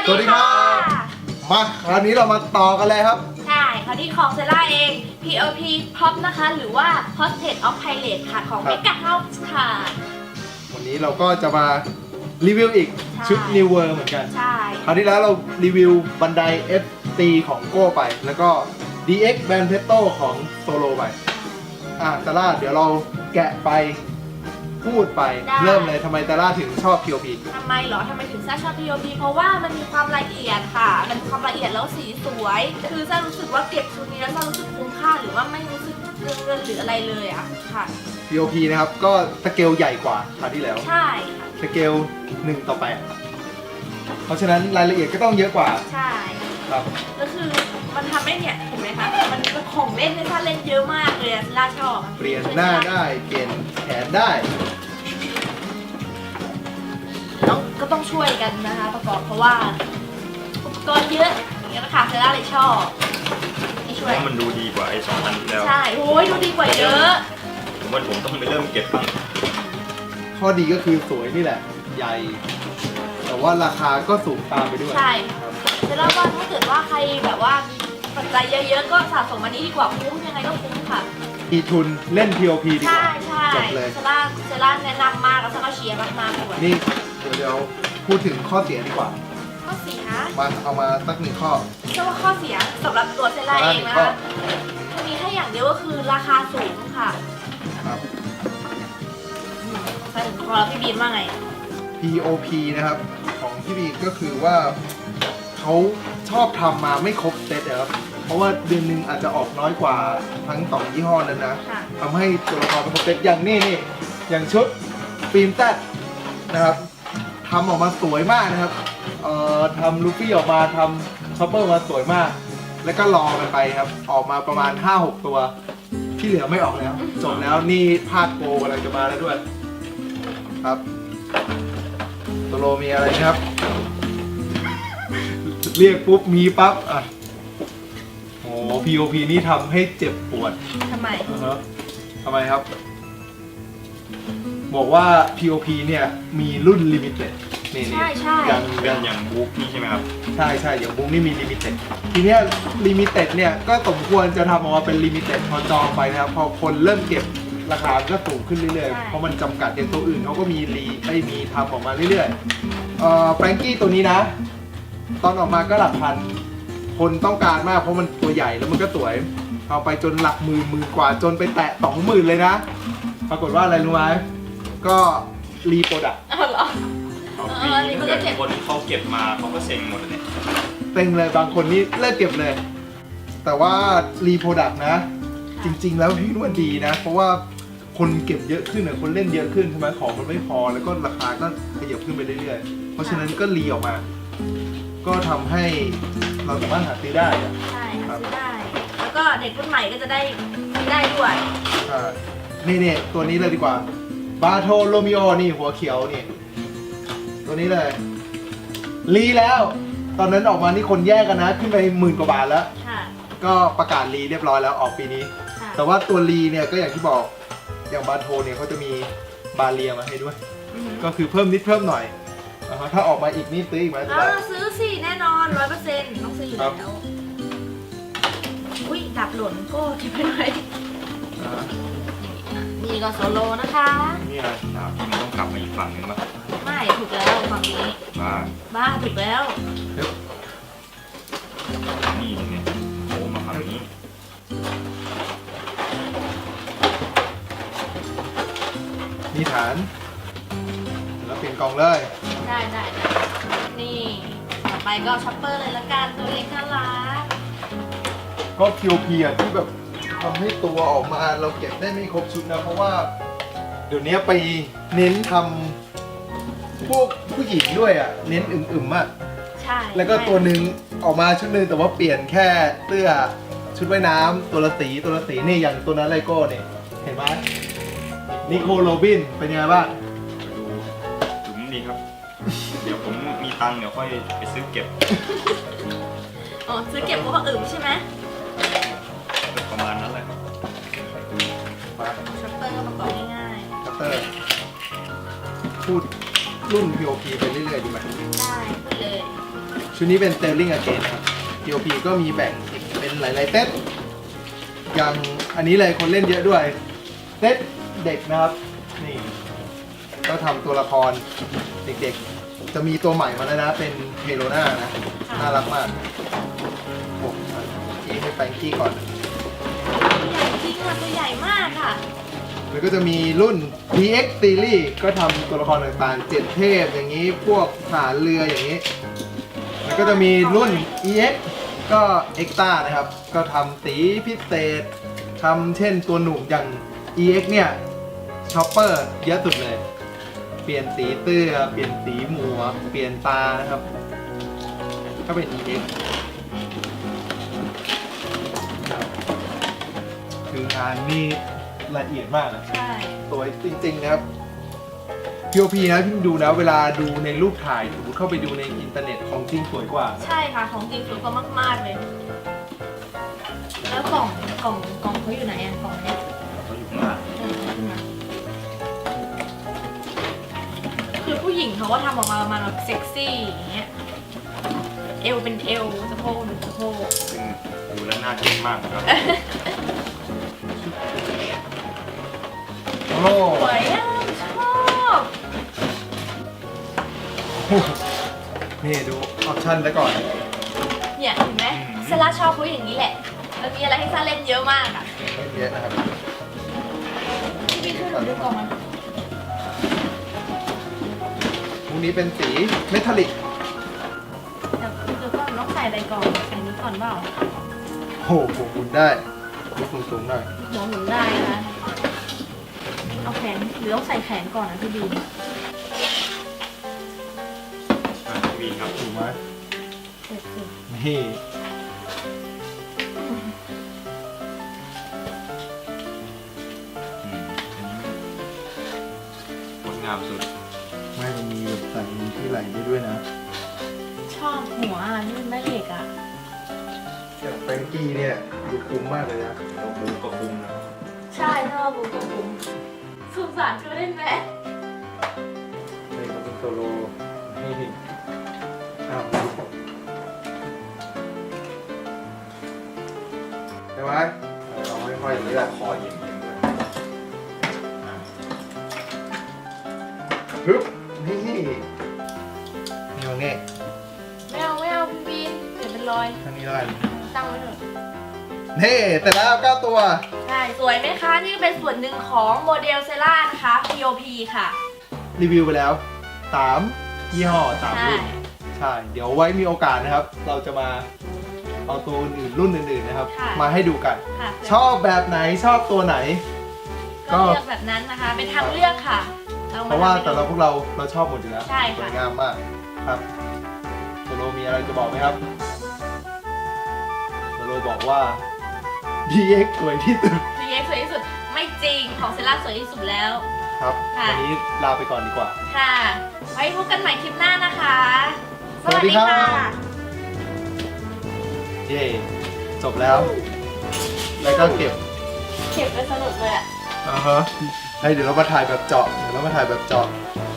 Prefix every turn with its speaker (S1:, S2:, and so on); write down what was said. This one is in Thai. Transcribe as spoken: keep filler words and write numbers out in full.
S1: สวัสดีครับมาคราวนี้เรามาต่อกันเลยครับ
S2: ใช่คราวนี้ของเซล่าเอง พี โอ พี Pop นะคะหรือว่า Portrait of Pilot ค่ะของ Mega House ค่ะ
S1: วันนี้เราก็จะมารีวิวอีกชุด New World เหมือนกัน
S2: ใช่
S1: คราวที่แล้วเรารีวิวบันได เอฟ ซี ของโก้ไปแล้วก็ ดี เอ็กซ์ Bantetto ของโซโลไปอ่ะตาล่าเดี๋ยวเราแกะไปพูดไปเริ่มเลยทำไมตาล่าถึงชอบ พี โอ พี
S2: ทำไมเหรอทำไมถึงซ่าชอบ พี โอ พี เพราะว่ามันมีความละเอียดค่ะมันมีความละเอียดแล้วสีสวยคือซ่ารู้สึกว่าเก็บชุดนี้แล้วซ่ารู้สึกคุ้มค่าหรือว่าไม่รู้สึกเรื่องเงินหรืออะไรเลยอะค่ะ
S1: พี โอ พี นะครับก็สเกลใหญ่กว่าคราวที่แล้ว
S2: ใช่ค่ะ
S1: สเกลหนึ่งต่อแปดเพราะฉะนั้นรายละเอียดก็ต้องเยอะกว่า
S2: ใช่
S1: ครับ
S2: ก็คือมันทำให้เนี่ยเห็นไหมคะมันเป็นของเล่นที่ซ่าเล่นเยอะมากเลยอะซ่าชอบ
S1: เปลี่ยนหน้าได้เปลี่ยนแขนได้
S2: ต้องก็ต้องช่วยกันนะคะประกอบเพราะว่าอุปกรณ์เยอะอย่างนี้นะคะเซล่าเลยชอบนี่ช่วย
S3: มันดูดีกว่าไอ้สองอันที่แล้ว
S2: ใช่โอ้ยดูดีกว่าเยอะ
S3: ผมว่าผมต้องไปเริ่มเก็บบ้าง
S1: ข้อดีก็คือสวยนี่แหละใหญ่แต่ว่าราคาก็สูงตามไปด้วย
S2: ใช่เซล่าว่าถ้าเกิดว่าใครแบบว่ามีปัจจัยเยอะๆก็สะสมอันนี้ดีกว่าคุ้มยังไงก็คุ้มค่ะ
S1: มีทุนเล่น พี โอ พี ดีกว่า
S2: ใช่ใช่
S1: จบเลย
S2: เซล่าเซล่าแนะนำมากแล้วก็เชียร์มากๆด้วย
S1: นี่เดี๋ยวเดี๋ยวพูดถึงข้อเสียดีกว่า
S2: ข้อเสีย
S1: มาเอามาสักหนึ่งข้อ
S2: เชื่อว่าข้อเสียสำหรับตัวเซล่าเองนะคะมีแค่อย่างเดียวก็คือราคาสูงค่ะ
S1: ครับ
S2: ใช่ถึงพอแล้วพี่บีมว่าไง
S1: พี โอ พี นะครับของพี่บีก็คือว่าเขาชอบทำมาไม่ครบเซตนะครับเพราะว่าเดือนหนึ่งอาจจะออกน้อยกว่าทั้งสองยี่ห้อนั้นนะทำให้ตัวละครเป็นครบเซตอย่างนี้นี่อย่างชุดฟิล์มแต๊ดนะครับทำออกมาสวยมากนะครับเอ่อทำลูฟี่ออกมาทำช็อปเปอร์มาสวยมากแล้วก็รอกันไปครับออกมาประมาณ ห้าหก ตัวที่เหลือไม่ออกแล้วจบแล้วนี่ภาคโกกำลังจะมาแล้วด้วยครับโซโลมีอะไรครับเรียกปุ๊บมีปั๊บอ่ะโอ้ พี โอ พี นี่ทำให้เจ็บปวด
S2: ทำไม
S1: อ่าฮะทำไมครับบอกว่า พี โอ พี เนี่ยมีรุ่นลิมิเต็ดนี่นี่
S2: อย่าง
S3: เป็นอย่างบุ๊กนี่ใช่ไหมครับ
S1: ใช่ใช่อย่างบุ๊กนี่มีลิมิเต็ดทีเนี้ยลิมิเต็ดเนี่ยก็สมควรจะทำออกมาเป็นลิมิเต็ดพอจองไปนะครับพอคนเริ่มเก็บราคาก็สูงขึ้นเรื่อยๆเพราะมันจำกัดอย่างตัวอื่นเขาก็มีรีไม่มีทำออกมาเรื่อยๆเอ่อแฟรงกี้ตัวนี้นะตอนออกมาก็หลักพันคนต้องการมากเพราะมันตัวใหญ่แล้วมันก็สวยเอาไปจนหลักหมื่นหมื่นกว่าจนไปแตะสองหมื่นเลยนะปรากฏว่าอะไรรู้ไหมก็รีโปรดักต์
S2: เหรอ
S3: เออนี่มันก็เก็บคนเขาเก็บมาเขาก็เซ็งหมดเลย
S1: เซ็งเลยบางคนนี่เลิกเก็บเลยแต่ว่ารีโปรดักต์นะจริงๆแล้วพี่ว่าดีนะเพราะว่าคนเก็บเยอะขึ้นคนเล่นเยอะขึ้นใช่ไหมของมันไม่พอแล้วก็ราคาก็ขยับขึ้นไปเรื่อยๆเพราะฉะนั้นก็รีออกมาก็ทำให้เราสามารถหาซื้อได้
S2: ใช่หาซื้อได้แล้วก็เด็กรุ่นใหม่ก็จะได้ซื้อได้ด้วย
S1: อ่านี่เนี่ยตัวนี้เลยดีกว่าบาโทโรมิโอนี่หัวเขียวนี่ตัวนี้เลยรีแล้วตอนนั้นออกมานี่คนแย่กันนะขึ้นไปหมื่นกว่าบาทแล้วก็ประกาศรีเรียบร้อยแล้วออกปีนี้แต่ว่าตัวรีเนี่ยก็อย่างที่บอกอย่างบาโทเนี่ยเขาจะมีบาเรียมาให้ด้วยก็คือเพิ่มนิดเพิ่มหน่อยถ้าออกมาอีกนี่ซื้ออีกไหม
S2: ซื้อสิแน่นอนร้อยเปอร์เซ็นต์ต้องซื้ออยู่แล้วอุ้ยดับหล่นก็เก็บไปหน่อยนี่ก็โซโลนะคะ
S3: นี่อะไรดาบที่มันต้องกลับมาอีกฝั่งนึงมั้ย
S2: ไม่ถูกแล้วฝั่งนี้
S3: บ้า
S2: บ้าถูกแล้ว
S3: นี่เนี่ยโอ้มาฝั่งนี้
S1: นี่ฐานแล้วเปลี่ยนกล่องเลย
S2: ได้ได้นี่ต่อไปก็ช็อปเปอร์เลยละกันตัวเล็กน่ารัก
S1: ก็ พี โอ พี อ่ะที่แบบทำให้ตัวออกมาเราเก็บได้ไม่ครบชุดนะเพราะว่าเดี๋ยวนี้ไปเน้นทำพวกผู้หญิงด้วยอ่ะเน้นอึมๆอ่ะ
S2: ใช่
S1: แล้วก็ตัวหนึ่งออกมาชุดหนึ่งแต่ว่าเปลี่ยนแค่เสื้อชุดว่ายน้ำตัวละสีตัวละสีนี่อย่างตัวนั้นไลโก้เนี่ยเห็นไหมนิโคลโรบินเป็นยังไงบ้าง
S3: ดูถึงดีครับเดี๋ยวผมมีตังค์เดี๋ยวค่อยไปซื้อเก็บ
S2: อ๋อซื้อเก็บเพราะว่าอึมใช่ไหม
S3: ประมาณนั้นแหละ
S2: ชัตเตอร์ก็ประกอบง่าย
S1: ๆชัตเตอร์พูดรุ่น พี โอ พี ไปเรื่อยๆดีไหม
S2: ได้เลย
S1: ชุดนี้เป็น Sterling Again ครับ พี โอ พี ก็มีแบ่งอีกเป็นหลายๆเซตอย่างอันนี้เลยคนเล่นเยอะด้วยเซตเด็กนะครับนี่ก็ทำตัวละครเด็กๆจะมีตัวใหม่มาแล้วนะเป็นเฮโรนานะน่ารักมากโอ้ยให้แฟรงกี้ก่อน
S2: ใหญ่จริงค่ะตัวใหญ่มากค่ะ
S1: แล้วก็จะมีรุ่น พี เอ็กซ์ Series ก็ทำตัวละครต่างๆเจ็ดเทพอย่างนี้พวกทหารเรืออย่างนี้ แล้วก็จะมีรุ่น อี เอ็กซ์ ก็ Extra นะครับ ก็ทำสีพิเศษทำเช่นตัวหนุ่มอย่าง อี เอ็กซ์ เนี่ยช็อปเปอร์เยอะสุดเลย เปลี่ยนสีเตื้อเปลี่ยนสีหมวกเปลี่ยนตานะครับ ก็เป็น อี เอ็กซ์ คืองานนี่ละเอียดมากนะ
S2: ใช่
S1: สวยจริงๆนะครับ พี โอ พี นะพี่ดูนะเวลาดูในรูปถ่ายสมมติเข้าไปดูในอินเทอร์เน็ตของจริงสวยกว่า
S2: ใช่ค่ะของจริงสวยกว่ามากๆเลย แล้วกล่องกล่องกล่องเขาอยู่ไหนอะกล่องเนี้ย
S3: เขาอยู่ข้างหน้า
S2: เออขึ้นมาคือผู้หญิงเขาก็ทำออกมาประมาณแบบเซ็กซี่อย่างเงี้ยเอวเป็นเอวสะโพกเป็นสะโพก
S3: ซึ่งดูแล้วน่ากินมากนะครับ
S1: โอ้
S2: สวยอ่ะชอบ
S1: นี่ดูออปชั่นซะก่อน
S2: เนี่ยเห็นไหมซาร่าชอบเขาอย่างนี้แหละมันมีอะไรให้ซาร่าเล่นเยอะมากอ่ะ
S1: ไม่เยอะนะครับ
S2: พี่พี่ช่วยหนูดูกล่องมัน
S1: พวกนี้เป็นสีเมทัลลิก
S2: เดี๋ยวเดี๋ยวก่อนต้องใส่อะไรก่อนใส่นี้ก่อนเปล่า
S1: โอ้โหหมุนได้ยกสูงๆหน่อย
S2: หัวหมุนได้นะเอาแขนหรือต้องใส่แขนก่อนนะพี่บี
S3: อ่ะพี่บีครับ
S1: ถูกไหม
S2: เด็ดสิ
S1: นี่
S3: อืมงดงามสุด
S1: ไม่มันมีแบบใส่ที่ไหล่ได้ด้วยนะ
S2: ชอบหัวอ่ะนี่มันแม่เหล็กอ่ะ
S1: อย่างแฟรงกี้เนี่ยดูคุ้มมากเลยนะ
S3: เราบูก็คุ้มนะครับ
S2: ใช่ชอบบุ้งบุ้งสงสารเขาเล่นไหม
S1: นี่มันเป็นโซโล่นี่อ้าวใช่ไหมเราไม่ค่อย
S3: ไม่
S1: เลื
S3: ต้
S1: อ
S3: อก งคอเย็นๆด้วยอ่ะ
S1: ฮึบนี่นี่ตรงนี้
S2: ไม่เอาไม่เอาพี่บีเดี๋ยวเป็นรอย
S1: ทางนี้แล้วกัน
S2: ตั้งไว้เถอะ
S1: นี่แต่แล้วเก้าตัว
S2: ใช่สวยไหมคะนี่เป็นส่วนหนึ่งของโมเดลเซล่านะคะ พี โอ พี ค่ะ
S1: รีวิวไปแล้วสามยี่ห้อสาม
S2: ใช่
S1: รุ่นใช่ เดี๋ยวไว้มีโอกาสนะครับ เราจะมาเอาตัวอื่นๆรุ่นอื่นๆนะครับ
S2: ค่ะ
S1: มาให้ดูกัน
S2: ค่ะ
S1: ชอบแบบไหนชอบตัวไหน
S2: ก็เลือกแบบนั้นนะคะ เป็นทางเลือกค่ะอม
S1: เพราะว่า
S2: ทำให้
S1: แต่เรา
S2: ดู
S1: พวกเราเราชอบหมดอยู่แล้ว
S2: ใช่ค่ะ
S1: สวยงามมากครับโซโลมีอะไรจะบอกไหมครับโซโลบอกว่า ดี เอ็กซ์ สวยที่สุด
S2: พี เอ็กซ์สวยที่สุดไม่จริงของเซล่าสวยที่สุดแล้ว
S1: ครับ
S2: ค่ะ
S1: วันนี้ลาไปก่อนดีกว่า
S2: ค่ะ ไว้พบกันใหม่คลิปหน้านะคะ
S1: สวัสดีครับ เย่จบแล้ว แล้วก็เก็บ
S2: เก็บไปสนุกเลยอ่ะ
S1: อ่าฮะให้เดี๋ยวเรามาถ่ายแบบเจาะเดี๋ยวเรามาถ่ายแบบเจาะ